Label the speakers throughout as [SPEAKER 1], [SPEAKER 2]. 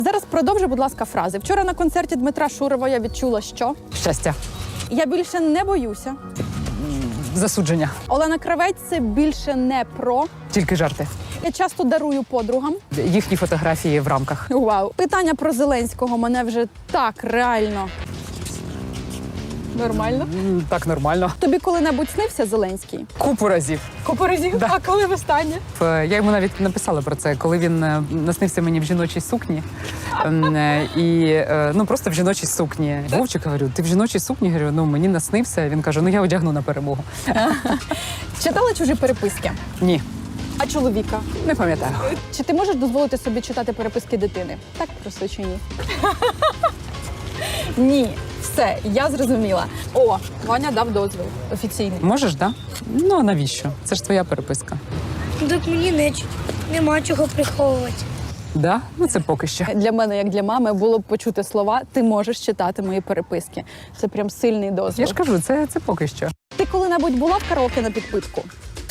[SPEAKER 1] Зараз продовжуй, будь ласка, фрази. Вчора на концерті Дмитра Шурова я відчула, що
[SPEAKER 2] Щастя.
[SPEAKER 1] я більше не боюся.
[SPEAKER 2] Засудження.
[SPEAKER 1] Олена Кравець – це більше не про.
[SPEAKER 2] Тільки жарти.
[SPEAKER 1] Я часто дарую подругам.
[SPEAKER 2] Їхні фотографії в рамках.
[SPEAKER 1] Вау. Питання про Зеленського мене вже так реально. Нормально.
[SPEAKER 2] Так, нормально.
[SPEAKER 1] Тобі коли-небудь снився Зеленський?
[SPEAKER 2] Купу разів.
[SPEAKER 1] Купу разів?
[SPEAKER 2] Да.
[SPEAKER 1] А коли востаннє?
[SPEAKER 2] Я йому навіть написала про це, коли він наснився мені в жіночій сукні. Просто в жіночій сукні. Вовчик, говорю, ти в жіночій сукні? Говорю, мені наснився. Він каже, я одягну на перемогу.
[SPEAKER 1] Читала чужі переписки?
[SPEAKER 2] Ні,
[SPEAKER 1] А чоловіка?
[SPEAKER 2] не пам'ятаю.
[SPEAKER 1] Чи ти можеш дозволити собі читати переписки дитини? Так просто чи ні? Ні. Все, я зрозуміла. О, Ваня дав дозвіл офіційний.
[SPEAKER 2] Можеш, так? Да? А навіщо? Це ж твоя переписка.
[SPEAKER 3] Так мені нема чого приховувати.
[SPEAKER 2] Да? Це поки що.
[SPEAKER 1] Для мене, як для мами, було б почути слова «ти можеш читати мої переписки». Це прям сильний дозвіл.
[SPEAKER 2] Я ж кажу, це поки що.
[SPEAKER 1] Ти коли-небудь була в караоке на підпитку?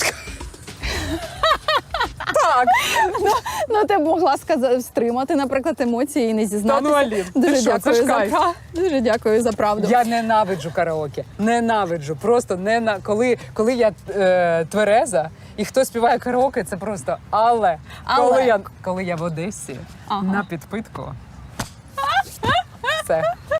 [SPEAKER 2] Так.
[SPEAKER 1] Ти б могла стримати, наприклад, емоції і не зізнатися.
[SPEAKER 2] Алін,
[SPEAKER 1] Дуже
[SPEAKER 2] ти що,
[SPEAKER 1] дякую
[SPEAKER 2] це ж
[SPEAKER 1] за
[SPEAKER 2] кайф.
[SPEAKER 1] Дуже дякую за правду.
[SPEAKER 2] Я ненавиджу караоке. Ненавиджу. Просто коли я твереза і хто співає караоке, це просто але. Коли я в Одесі на підпитку. Все.